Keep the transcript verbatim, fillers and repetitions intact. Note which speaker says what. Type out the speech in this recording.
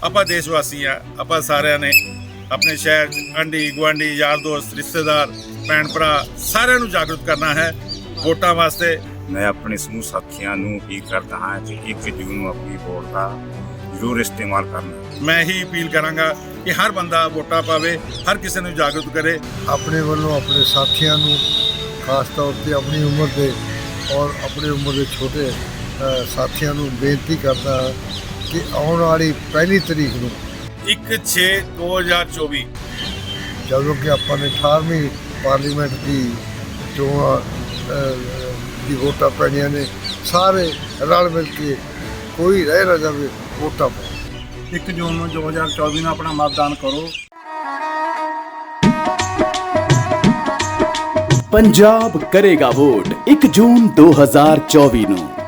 Speaker 1: ਆਪਾਂ ਦੇਸ਼ ਵਾਸੀ ਆ, ਆਪਾਂ ਸਾਰਿਆਂ ਨੇ ਆਪਣੇ ਸ਼ਹਿਰ 'ਚ ਆਂਢੀ ਗੁਆਂਢੀ ਯਾਰ ਦੋਸਤ ਰਿਸ਼ਤੇਦਾਰ ਭੈਣ ਭਰਾ ਸਾਰਿਆਂ ਨੂੰ ਜਾਗਰੂਕ ਕਰਨਾ ਹੈ ਵੋਟਾਂ ਵਾਸਤੇ।
Speaker 2: मैं अपने समूह साथियों ਨੂੰ अपील करता हाँ कि एक जून ਨੂੰ अपनी वोट का ਜ਼ਰੂਰ इस्तेमाल करना।
Speaker 1: मैं ही अपील करांगा कि हर बंदा वोटा पावे, हर किसी ਨੂੰ ਜਾਗਰੂਕ करे।
Speaker 3: ਆਪਣੇ ਵੱਲੋਂ ਆਪਣੇ ਸਾਥੀਆਂ ਨੂੰ ਖਾਸ ਤੌਰ ਤੇ ਆਪਣੀ ਉਮਰ ਦੇ ਔਰ ਆਪਣੀ ਉਮਰ ਦੇ ਛੋਟੇ ਅ, ਸਾਥੀਆਂ ਨੂੰ ਬੇਨਤੀ ਕਰਦਾ ਕਿ ਆਉਣ ਵਾਲੀ ਪਹਿਲੀ ਤਰੀਕ ਨੂੰ
Speaker 1: ਇੱਕ ਛੇ ਦੋ ਹਜ਼ਾਰ ਚੌਵੀ
Speaker 3: ਜਦੋਂ ਕਿ ਆਪਾਂ ਨੇ ਅਠਾਰਵੀਂ ਪਾਰਲੀਮੈਂਟ ਦੀ ਚੋਣਾਂ ਅ, ਦੀ ਵੋਟਾਂ ਪੈਣੀਆਂ ਨੇ, ਸਾਰੇ ਰਲ ਮਿਲ ਕੇ ਕੋਈ ਰਹਿ ਨਾ ਜਾਵੇ ਵੋਟਾਂ ਪਾਓ।
Speaker 4: ਇੱਕ ਜੂਨ ਨੂੰ ਦੋ ਹਜ਼ਾਰ ਚੌਵੀ ਨੂੰ ਆਪਣਾ ਮਤਦਾਨ ਕਰੋ।
Speaker 5: पंजाब करेगा वोट एक जून दो हजार चौबीस ਨੂੰ।